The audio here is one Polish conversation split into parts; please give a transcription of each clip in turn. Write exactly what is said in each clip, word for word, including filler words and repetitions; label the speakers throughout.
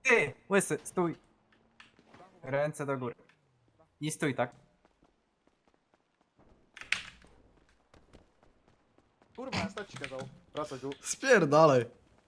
Speaker 1: Ty, łysy, stój. Ręce do góry. I stój tak.
Speaker 2: Kurwa, stać ci kazał. Wracaj tu.
Speaker 3: Spierdalaj.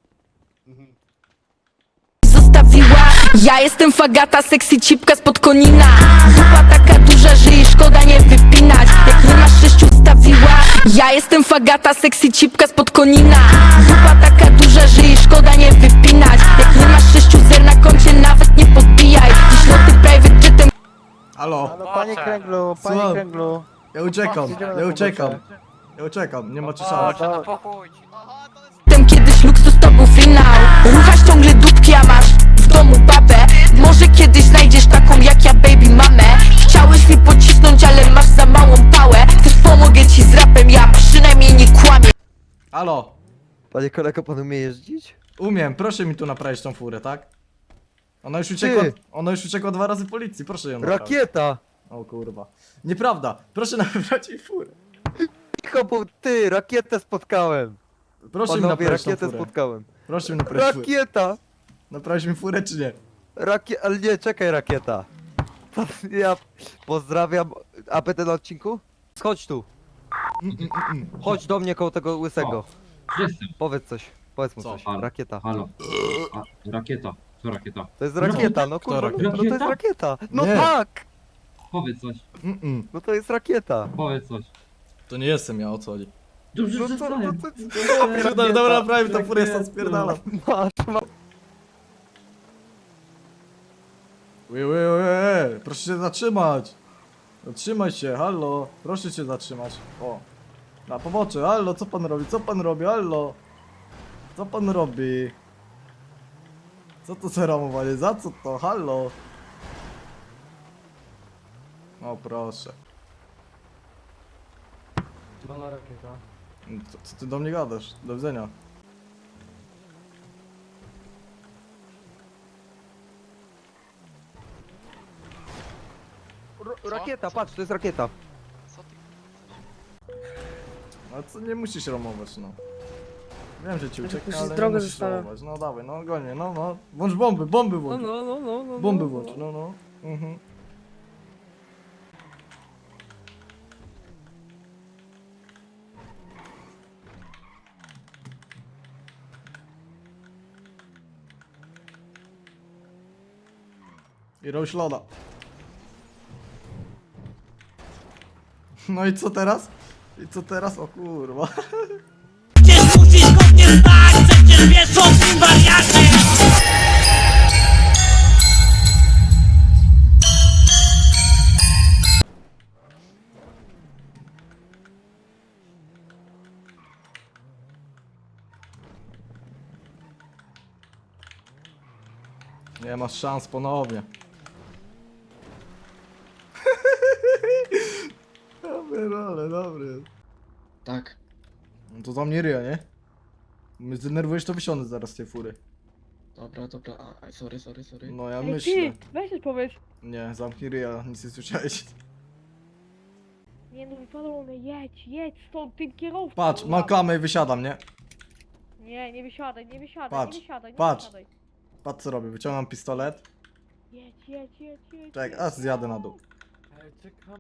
Speaker 4: Zostawiła. Ja jestem fagata, sexy cipka spod konina. Dupa taka duża, że jej szkoda nie wypinać. Jak nie masz sześciu stawiła. Ja jestem fagata, sexy cipka spod konina. Dupa taka duża, że jej szkoda nie wypinać. Jak nie masz sześciu zer na koncie, nawet nie podbijaj. Dziś loty private jetem.
Speaker 3: Halo.
Speaker 2: Halo, panie Kręglu, panie
Speaker 3: Słucham.
Speaker 2: Kręglu.
Speaker 3: Ja uciekam,
Speaker 2: Idziemy na
Speaker 3: ja uciekam.
Speaker 2: pobocze.
Speaker 3: Ja uciekam, nie macie
Speaker 2: O,
Speaker 3: szans.
Speaker 2: to...
Speaker 4: Kiedyś luksus to był finał. Ruchasz ciągle dupki, a masz w domu babę. Może kiedyś znajdziesz taką jak ja, baby mamę. Chciałeś mi pocisnąć, ale masz za małą pałę. Też pomogę ci z rapem, ja przynajmniej nie kłamię.
Speaker 3: Halo.
Speaker 5: Panie kolego, pan umie jeździć?
Speaker 3: Umiem, proszę mi tu naprawić tą furę, tak? Ona już uciekła,
Speaker 5: Ty.
Speaker 3: ona już uciekła dwa razy policji, proszę ją naprawić.
Speaker 5: Rakieta!
Speaker 3: O kurwa. Nieprawda, proszę naprawić jej furę.
Speaker 5: Cicho, bo ty, rakietę spotkałem!
Speaker 3: Proszę mi
Speaker 5: Panowie,
Speaker 3: naprawić tą
Speaker 5: rakietę
Speaker 3: furę.
Speaker 5: spotkałem.
Speaker 3: Proszę mi naprawić furę.
Speaker 5: Rakieta!
Speaker 3: Naprawić mi furę czy nie?
Speaker 5: Rakie... Ale nie, czekaj, rakieta. Ja pozdrawiam. A będę na odcinku? Chodź tu.
Speaker 3: Mm, mm, mm, mm.
Speaker 5: Chodź do mnie koło tego łysego.
Speaker 6: Jestem.
Speaker 5: Powiedz coś. Powiedz mu
Speaker 3: Co?
Speaker 5: coś.
Speaker 6: Halo.
Speaker 5: Rakieta.
Speaker 6: Halo. A, rakieta. Co rakieta?
Speaker 5: To jest rakieta, no
Speaker 3: Kto
Speaker 5: kurwa, no,
Speaker 3: rakieta?
Speaker 5: no to jest rakieta. No
Speaker 3: Nie.
Speaker 5: tak!
Speaker 6: Powiedz coś.
Speaker 3: Mm, mm.
Speaker 5: No to jest rakieta.
Speaker 6: Powiedz coś.
Speaker 3: To nie jestem ja, o co chodzi.
Speaker 6: Dobrze,
Speaker 5: No
Speaker 6: że
Speaker 5: to, no
Speaker 6: znaję.
Speaker 5: to,
Speaker 3: Dobra, dobra, naprawię tą furę, stąd spierdalam.
Speaker 5: Masz, masz.
Speaker 3: Ły, ły, ły, proszę się zatrzymać. Zatrzymaj się, hallo. Proszę się zatrzymać. O. Na pobocze, hallo, co pan robi? Co pan robi, hallo? Co pan robi? Co to za ramowanie? Za co to? Hallo? O proszę.
Speaker 2: Pana rakieta.
Speaker 3: Co, co ty do mnie gadasz? Do widzenia.
Speaker 5: R- Rakieta, patrz, to jest rakieta.
Speaker 3: A co, nie musisz ramować, no. Wiem, że ci ucieknie,
Speaker 7: musisz
Speaker 3: ale nie
Speaker 7: drogę
Speaker 3: musisz
Speaker 7: zostawiam.
Speaker 3: ramować. No dawaj, no gonie, no, no. Włącz bomby, bomby
Speaker 7: No,
Speaker 3: włącz.
Speaker 7: no, no, no, no.
Speaker 3: Bomby
Speaker 7: no,
Speaker 3: włącz, no, no. Mhm. I robisz loda. No i co teraz? I co teraz? O kurwa.
Speaker 8: Przecież musisz go nie stać, przecież wiesz o tym wariacie.
Speaker 3: Nie masz szans ponownie. Dobry, ale dobry.
Speaker 6: Tak.
Speaker 3: No to za mnie ryja, nie? Mnie zdenerwujesz, to wysiądę zaraz z tej fury.
Speaker 6: Dobra, dobra. A, a, sorry, sorry, sorry.
Speaker 3: No ja
Speaker 7: Ej,
Speaker 3: myślę.
Speaker 7: ty, weź coś powiedz.
Speaker 3: Nie, zamknij ryja, nic nie słyszałeś.
Speaker 7: Nie no, wypadło mnie, jedź, jedź stąd tym kierowcą.
Speaker 3: Patrz, mam klamę i wysiadam, nie?
Speaker 7: Nie, nie wysiadaj, nie wysiadaj,
Speaker 3: Patrz,
Speaker 7: nie wysiadaj, nie
Speaker 3: patrz.
Speaker 7: wysiadaj.
Speaker 3: Patrz co robię, wyciągam pistolet.
Speaker 7: Jedź, jedź, jedź, jedź.
Speaker 3: Tak,
Speaker 7: jedź.
Speaker 3: aż zjadę na dół.
Speaker 2: Ej, czekam.